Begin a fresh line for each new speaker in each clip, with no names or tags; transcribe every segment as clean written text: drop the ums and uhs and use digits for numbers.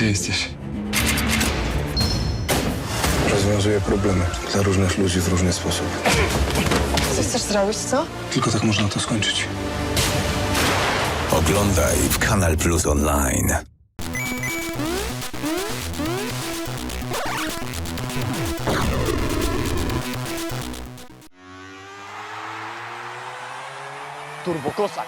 Gdzie jesteś?
Rozwiązuję problemy dla różnych ludzi w różny sposób.
Co chcesz zrobić, co?
Tylko tak można to skończyć.
Oglądaj w Kanal Plus Online.
Turbokozak.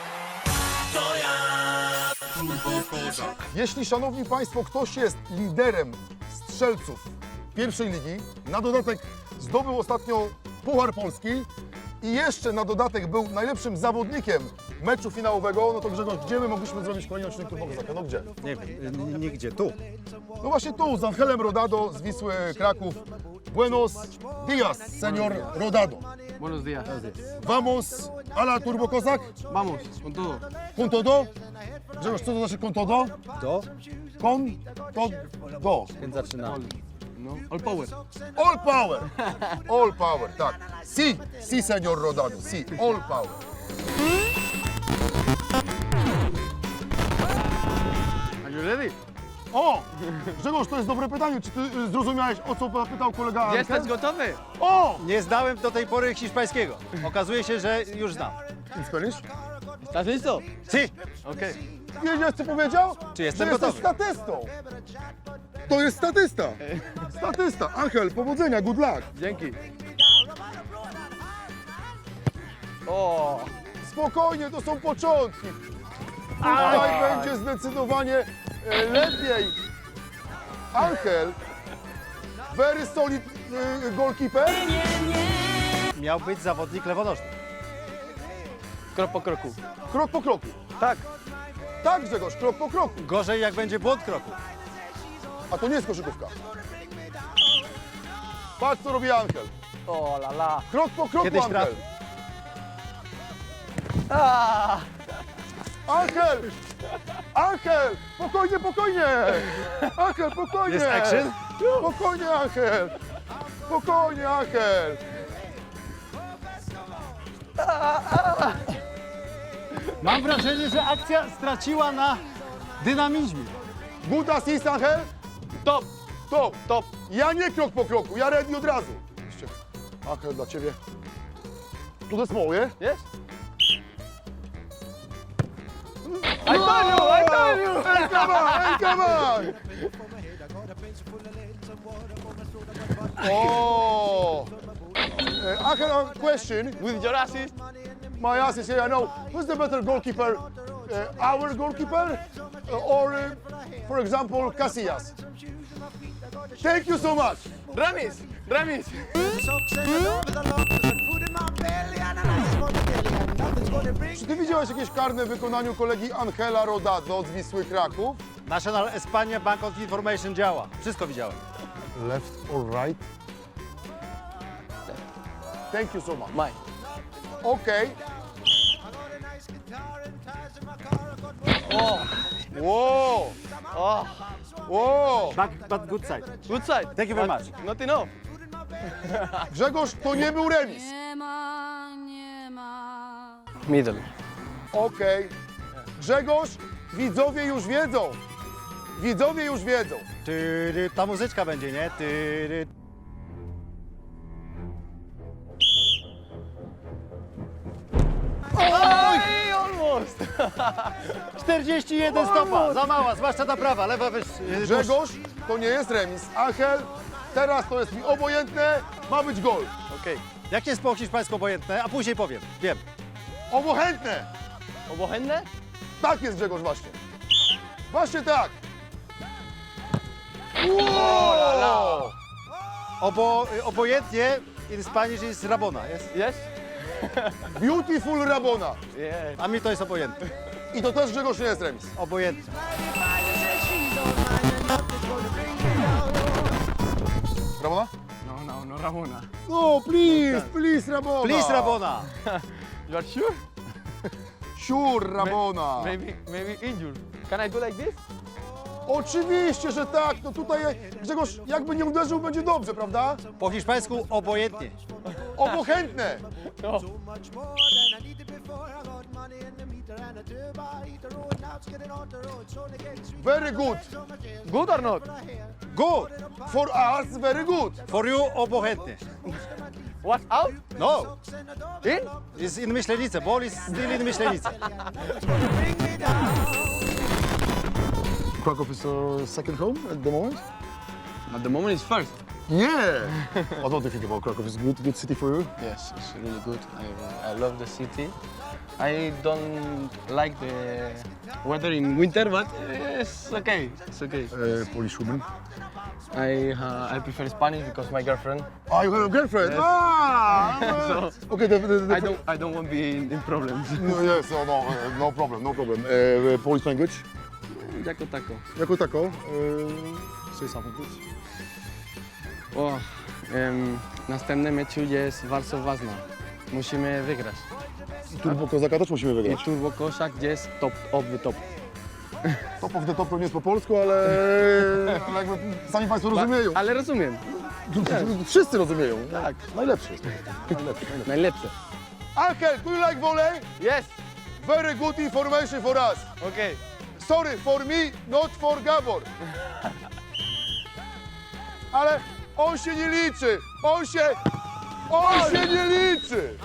Jeśli, szanowni państwo, ktoś jest liderem strzelców pierwszej ligi, na dodatek zdobył ostatnio Puchar Polski i jeszcze na dodatek był najlepszym zawodnikiem meczu finałowego, no to Grzegorz, gdzie my mogliśmy zrobić kolejny odcinek Turbokozaka? No gdzie?
Nie wiem, nigdzie, tu.
No właśnie tu, z Angelem Rodado z Wisły Kraków. Buenos dias, señor Rodado.
Buenos días.
Vamos a la Turbokozak?
Vamos, con todo.
Con todo? Grzegorz, co to znaczy con todo?
Do,
Con todo.
więc zaczynamy.
No, all power.
All power! All power, tak. Si, si, señor Rodado, si, all power.
Are you ready?
O! Grzegorz, to jest dobre pytanie. Czy ty zrozumiałeś, o co pytał kolega Ankel?
Jesteś gotowy?
O!
Nie znałem do tej pory hiszpańskiego. Okazuje się, że już znam.
In Spanish?
¿Estás listo?
Si,
Okay.
Wiedziałeś, co powiedział?
Czy jestem
że jesteś
gotowy?
statystą. To jest statysta. Statysta. Angel, powodzenia, good luck.
Dzięki. O,
Spokojnie, to są początki. Tutaj będzie zdecydowanie lepiej. Angel, very solid goalkeeper.
miał być zawodnik lewonożny.
krok po kroku.
Krok po kroku.
Tak.
Tak, Grzegorz, krok po kroku.
Gorzej, jak będzie błąd kroku.
A to nie jest koszykówka. Patrz, co robi Angel.
O, la la.
Krok po kroku,
Kiedyś
Angel.
trafi.
Ah,
Angel! Angel! Spokojnie, spokojnie! Angel, spokojnie!
Jest action?
Spokojnie, Angel! Spokojnie, Angel!
Mam wrażenie, że akcja straciła na dynamizmie.
Good assist, Angel?
top,
Top!
top.
Ja nie krok po kroku, ja ready od razu. Jeszcze. Angel, dla ciebie. Tu jest moje.
Yes? I told you, I told you.
Hey, come on, hey, come on! Oh! Angel, a question.
With your assist.
My assist here, I know. Who's the better goalkeeper? Our goalkeeper? Or, for example, Casillas? Thank you so much.
Ramis, Ramis.
Czy ty widziałeś jakieś karne w wykonaniu kolegi Angela Rodado z Wisły Kraków?
National Espania Bank of Information działa. Wszystko widziałem.
Left or right? Thank you so much.
Mine.
Okay.
Oh,
Wow!
oh.
Wow!
But good side.
Good side.
Thank you very
But
much.
Not enough.
Grzegorz, to nie był remis.
Nie ma.
Middle.
Okej. Grzegorz, widzowie już wiedzą. Widzowie już wiedzą.
Tyry, ta muzyczka będzie, nie? Tyry.
Oj, almost.
41 stopa, za mała, zwłaszcza ta prawa, lewa
Grzegorz, to nie jest remis. Angel, teraz to jest mi obojętne, ma być gol.
Okay.
Jak jest po hiszpańsku obojętne, a później powiem. Wiem.
Obojętne!
Obochętne?
Tak jest, Grzegorz, właśnie. Właśnie tak. Wow!
Obojętnie in Spanish is Rabona, jest?
Yes?
Beautiful Rabona.
Yeah.
A mi to jest obojętne.
I to też, Grzegorz, nie jest remis.
Obojętne.
Rabona?
No, Ramona.
No, please, Rabona.
Please Rabona.
You are sure?
Sure, Rabona.
Maybe injured. Can I do like this?
Oczywiście, że tak. No tutaj, Grzegorz, jakby nie uderzył, będzie dobrze, prawda?
Po hiszpańsku obojętnie.
Obojętne.
No.
Very good.
Good or not?
Good.
For us, very good.
For you, obojętnie.
What's out?
No,
In?
is in Myślenice. Ball is still in Myślenice.
Krakow is your second home at the moment?
At the moment it's first.
Yeah. What do you think about Krakow? Is good city for you?
Yes, it's really good. I love the city. I don't like the weather in winter, but it's okay. It's okay.
Polish woman.
I prefer Spanish because my girlfriend.
Oh, you have a girlfriend?
Yes.
Ah!
So
Okay, the
I don't want to be in problems.
No, yes, no problem, no problem. Polish language?
Jako tako.
Jako tako? Say something, please.
O, następny meczu jest bardzo ważny. Musimy wygrać.
Turbo Kozaka też musimy
I
wygrać.
Turbo Koszak jest top of the top.
Top of the top to nie jest po polsku, ale jakby sami Państwo rozumieją.
Ale rozumiem.
Wszyscy rozumieją.
Tak.
Najlepszy jest. Najlepszy.
Najlepsze.
Ankel, do you like volley?
Yes.
Very good information for us.
Okay.
Sorry, for me, not for Gabor. Ale on się nie liczy. On się nie liczy.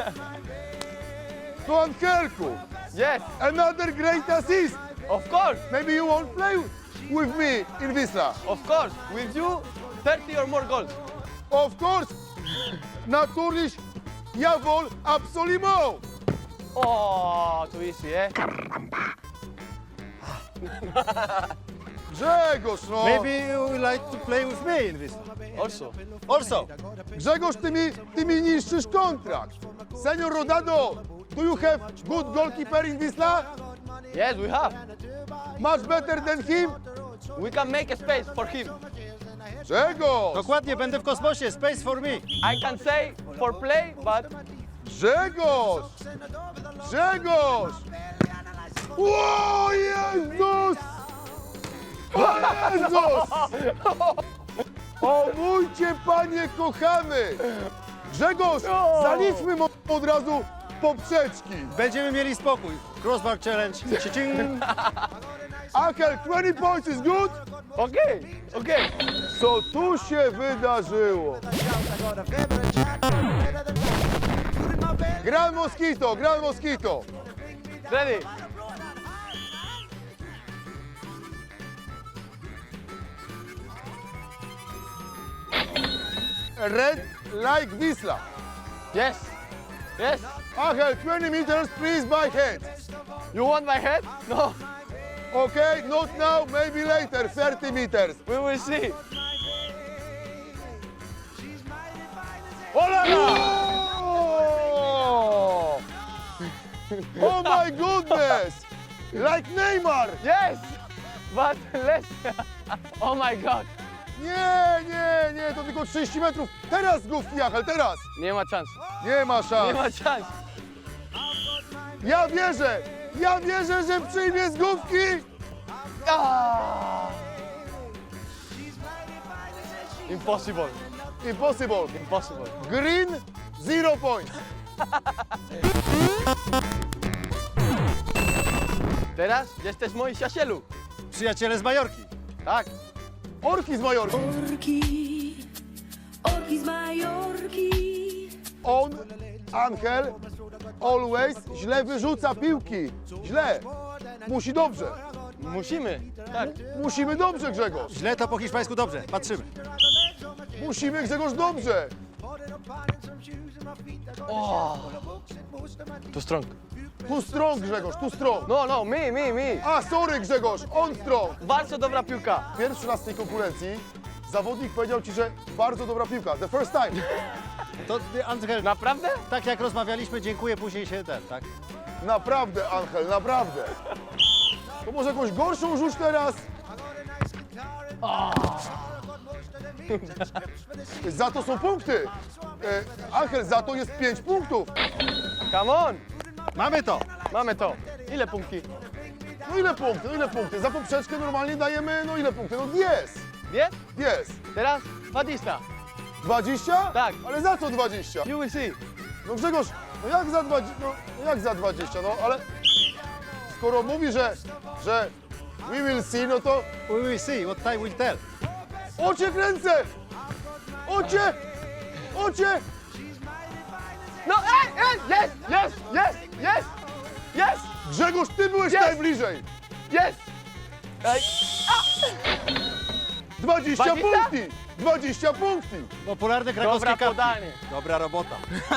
To Ankelku.
Yes.
Another great assist.
Of course.
Maybe you won't play with me in Wisla.
Of course. With you, 30 or more goals.
Of course. Natürlich, jawohl, absolument.
Oh, too easy, eh?
Grzegorz, no.
Maybe you would like to play with me in this.
Also.
Also,
Grzegorz, ty mi niszczysz kontrakt. Senior Rodado, do you have good goalkeeper in Wisla?
Yes, we have.
Much better than him?
We can make a space for him.
Grzegorz!
dokładnie, będę w kosmosie. Space for me.
I can say for play, but
Grzegorz! Grzegorz! O Jezus! O Jezus! O mój Cię, Panie kochany! Grzegorz, zaliczmy mu od razu poprzeczki.
Będziemy mieli spokój. Crossbar challenge. Ci-cing.
Akel, 20 points is good?
okay, okay.
Co tu się wydarzyło? Gran Mosquito, Gran Mosquito.
Ready?
Red like Wisla.
Yes. Yes.
Angel, 20 meters, please, by hand.
You want my head? No.
Okay, not now, maybe later, 30 meters.
We will see.
Oh! Oh my goodness! Like Neymar!
Yes. But less. Oh my God.
Nie, to tylko 30 metrów. Teraz główki, Angel, teraz!
Nie ma szans.
Nie ma
Nie
szans.
ma szans.
Ja wierzę, że przyjmie z główki.
Ah. Impossible.
Impossible.
Impossible.
Green, 0 points.
Teraz jesteś moi przyjacielu.
Przyjaciele z Majorki.
Tak.
Orki z Majorki.
Orki z Majorki.
On, Angel, always źle wyrzuca piłki. Źle. Musi dobrze.
Musimy. Tak.
Musimy dobrze, Grzegorz.
Źle to po hiszpańsku dobrze. Patrzymy.
Musimy, Grzegorz, dobrze.
Too strong.
Tu strong, Grzegorz, tu strong.
No, me.
A, sorry, Grzegorz, on strong.
Bardzo dobra piłka.
Pierwszy raz w tej konkurencji zawodnik powiedział ci, że bardzo dobra piłka. The first time.
To Angel,
Naprawdę?
tak jak rozmawialiśmy, dziękuję, później się tak?
Naprawdę, Angel, naprawdę. To może jakąś gorszą rzuć teraz? Za to są punkty. Angel, za to jest 5 punktów.
Come on.
Mamy to.
Mamy to. Ile punktów?
No ile punkty? Za poprzeczkę normalnie dajemy, no ile punktów? No 10.
Jest?
Jest.
Teraz Batista.
20?
Tak.
Ale za co 20?
You will see.
No Grzegorz, no jak za 20? No jak za 20? No ale skoro mówi, że we will see, no to
We will see, what time will tell.
ocie kręcę! Ocie! Ocie!
No, yes, yes, yes, yes, yes,
Grzegorz, ty byłeś
Yes!
najbliżej!
yes.
20
20?
punkty! 20 punkty!
Popularne krakowskie
Dobra
kapki.
podanie.
Dobra robota.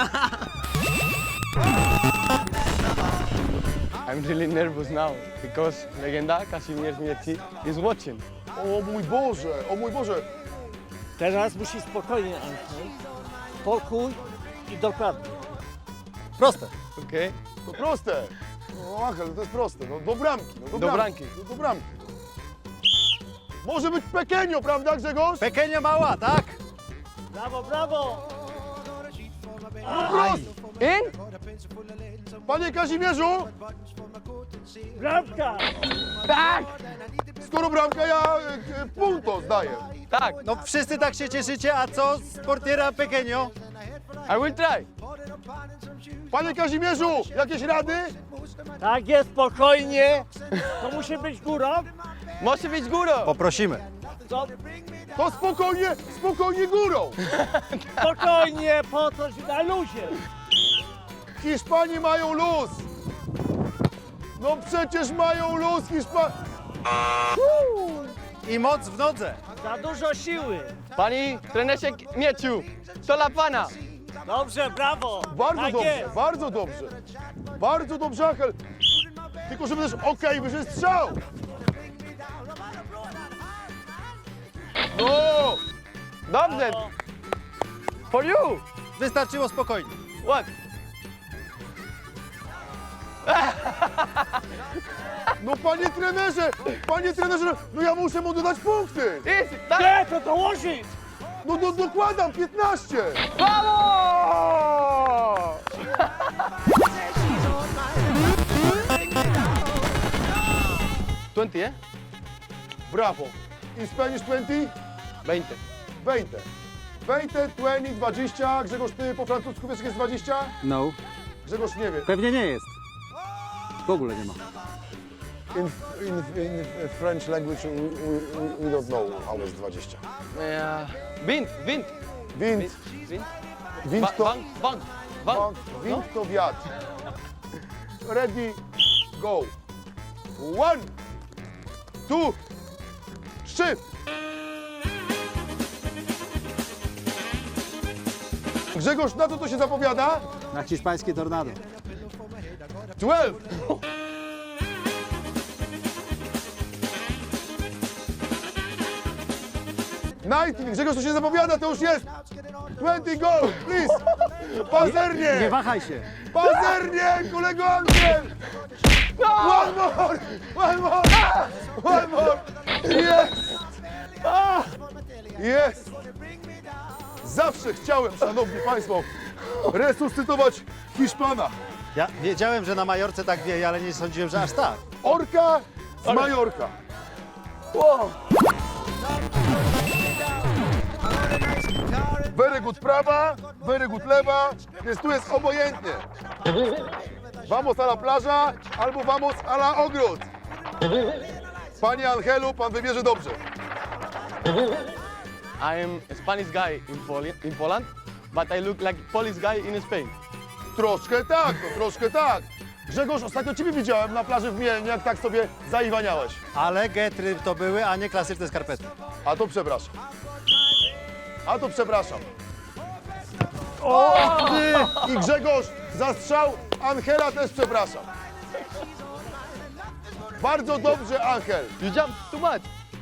I'm really nervous now because legenda Kazimierz Mieci is watching.
O mój Boże, o mój Boże!
Teraz musi spokojnie, Andrzej. Spokój i dokładnie.
Proste.
Okay?
To proste! No Angel, to jest proste, no do bramki, no
Do bramki.
No, do bramki. Może być pekenio, prawda Grzegorz?
Pekenio mała, tak?
Brawo, brawo!
Prost!
In?
Panie Kazimierzu,
Bramka!
Tak,
skoro bramka, ja punto zdaję.
tak.
No wszyscy tak się cieszycie, a co z portiera Pekenio?
I will try.
Panie Kazimierzu, jakieś rady?
Tak jest, spokojnie. To musi być górą.
Może być górą.
Poprosimy.
To
To spokojnie, spokojnie górą.
spokojnie, po coś na luzie.
Hiszpanie mają luz. No przecież mają luz Hiszpanie.
I moc w nodze.
Za dużo siły.
Pani trenerze Mieciu, to dla pana.
Dobrze, brawo.
Bardzo
Tak
dobrze,
jest.
bardzo dobrze. Bardzo dobrze, Angel. Tylko żeby też okej, wyszedł strzał. No!
Dobrze. For you.
Wystarczyło spokojnie.
What?
No panie trenerze, no ja muszę mu dodać punkty.
Easy. Tak.
Nie, to dołożyć.
No dokładam, 15.
Brawo! 20, eh?
Brawo. In Spanish 20?
20.
20. 20, 20, 20. Grzegorz, ty po francusku wiesz, jak jest 20?
No.
Grzegorz nie wie.
Pewnie nie jest. W ogóle nie ma.
In French language we don't know how is 20.
Wind.
Wind.
Wind.
Wind to...
Bank.
Bank. Wind to wiatr. Ready, go. 1, 2, 3. Grzegorz, na co to się zapowiada?
Na hiszpańskie tornado.
12. Nineteen. Grzegorz, to się zapowiada, to już jest. 20, go, please. Pazernie.
Nie wahaj się.
Pazernie, kolego Angel! One more! One more! One more! Jest! Jest! Zawsze chciałem, szanowni państwo, resuscytować Hiszpana.
Ja wiedziałem, że na Majorce tak wieje, ale nie sądziłem, że aż tak.
Orka z Majorka. Very good prawa, very good lewa, więc tu jest obojętnie. Vamos a la plaża albo vamos a la ogród. Panie Angelu, pan wybierze dobrze.
I am a Spanish guy in Poland, but I look like Polish guy in Spain.
Troszkę tak, no troszkę tak. Grzegorz, ostatnio ciebie widziałem na plaży w Mielnie, jak tak sobie zaiwaniałeś.
Ale getry to były, a nie klasyczne skarpety.
A to przepraszam. A to przepraszam. Ty i Grzegorz, za strzał Angela też przepraszam. Bardzo dobrze, Angel.
You jump too much.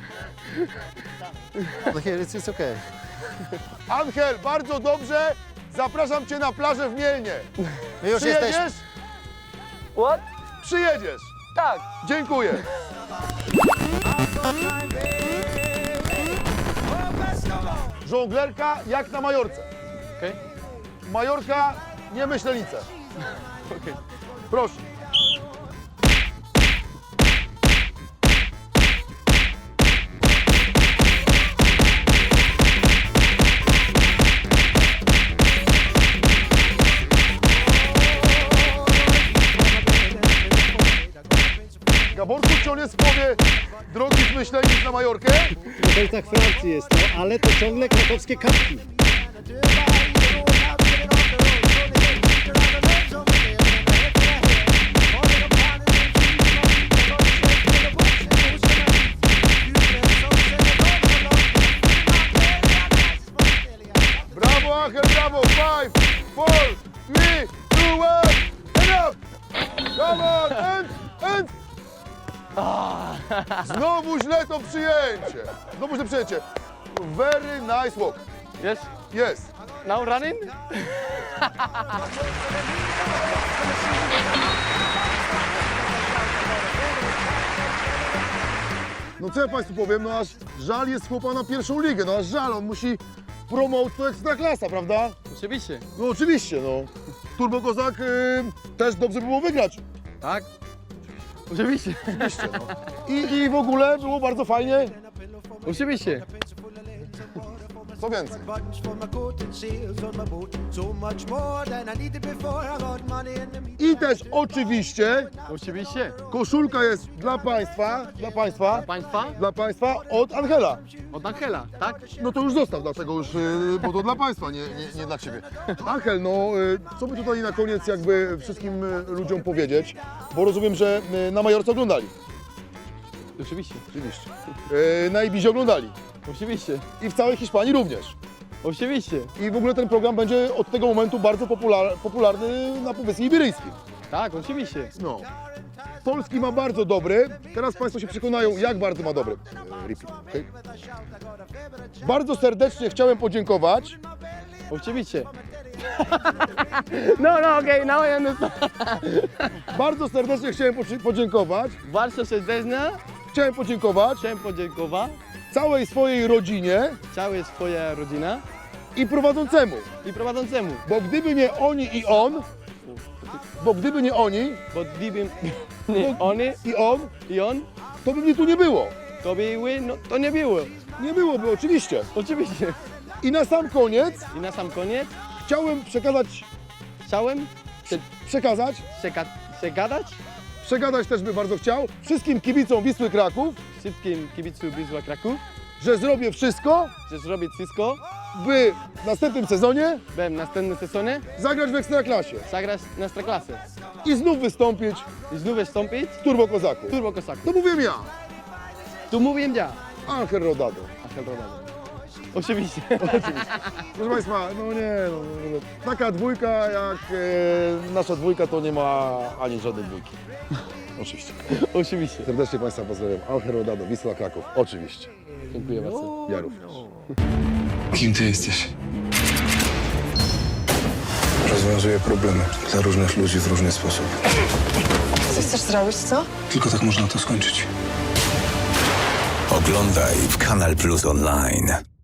No here it's okay.
Angel, bardzo dobrze. Zapraszam cię na plażę w Mielnie.
My już jesteśmy.
Przyjedziesz?
What?
Przyjedziesz.
Tak.
Dziękuję. Żonglerka jak na Majorce.
Okay.
Majorka, nie Myślenice. Proszę. Gaborku, czy on jest w połowie drogi z Myślenic na Majorkę?
W okolicach Francji jest to, ale to ciągle krakowskie kapki.
Brawo, Angel, brawo! 5, 4, 3, 2, 1, and up! Come on, and! Znowu źle to przyjęcie. Znowu źle przyjęcie. Very nice walk.
Yes.
Yes.
Now running.
No co ja Państwu powiem, no aż żal jest chłopa na pierwszą ligę, no aż żal, on musi promować to Ekstraklasa, prawda?
Oczywiście.
No oczywiście, no. Turbo Kozak też dobrze by było wygrać.
Tak. Oczywiście.
Oczywiście, no. I w ogóle było bardzo fajnie.
Oczywiście.
Co więcej?
buttons for my coat and sails on my boat. So much more than I needed before. I got money in the meat.
I też oczywiście
Oczywiście.
koszulka jest dla Państwa,
Państwa?
dla Państwa od Angela.
Od Angela, tak?
No to już zostaw, dlaczego już, bo to dla Państwa, nie dla Ciebie. Angel, no co by tutaj na koniec jakby wszystkim ludziom powiedzieć, bo rozumiem, że na Majorce oglądali.
Oczywiście.
Oczywiście. Na Ibizie oglądali.
Oczywiście.
I w całej Hiszpanii również.
Oczywiście.
I w ogóle ten program będzie od tego momentu bardzo popularny na Półwyspie Iberyjskim.
Tak, oczywiście.
No. Polski ma bardzo dobry. Teraz Państwo się przekonają, jak bardzo ma dobry. Repeat, okay? Bardzo serdecznie chciałem podziękować.
Oczywiście. No, okej, now I understand.
Bardzo serdecznie chciałem podziękować.
Bardzo serdecznie
Chciałem podziękować
chciałem podziękować
całej swojej rodzinie
całej swojej rodzinie
i prowadzącemu.
i prowadzącemu.
Bo gdyby nie oni i on, bo gdyby nie oni
Bo gdybym nie oni
i on,
i on,
to by mnie tu nie było.
to były, no to nie było.
Nie byłoby, oczywiście.
Oczywiście.
I na sam koniec
I na sam koniec
chciałem
chciałem
przekazać też by bardzo chciał wszystkim kibicom Wisły Kraków,
wszystkim kibicom Wisła Kraków,
że zrobię wszystko,
że zrobię wszystko,
by w następnym sezonie
by w następnym sezonie
zagrać w Ekstraklasie
zagrać na Ekstraklasę
i znów wystąpić
i znów wystąpić
w Turbo Kozaku.
w Turbo Kozaku.
To mówię ja,
Tu mówię ja.
Angel Rodado.
Angel Rodado. Oczywiście.
Proszę Państwa, no nie, taka dwójka jak nasza dwójka to nie ma ani żadnej dwójki. Oczywiście.
Oczywiście.
Serdecznie Państwa pozdrawiam. Angel Rodado, Wisła Kraków. Oczywiście.
Dziękuję bardzo.
Ja również.
Kim ty jesteś? Rozwiązuję problemy dla różnych ludzi w różny sposób.
Co chcesz zrobić, co?
Tylko tak można to skończyć.
Oglądaj w Kanal Plus Online.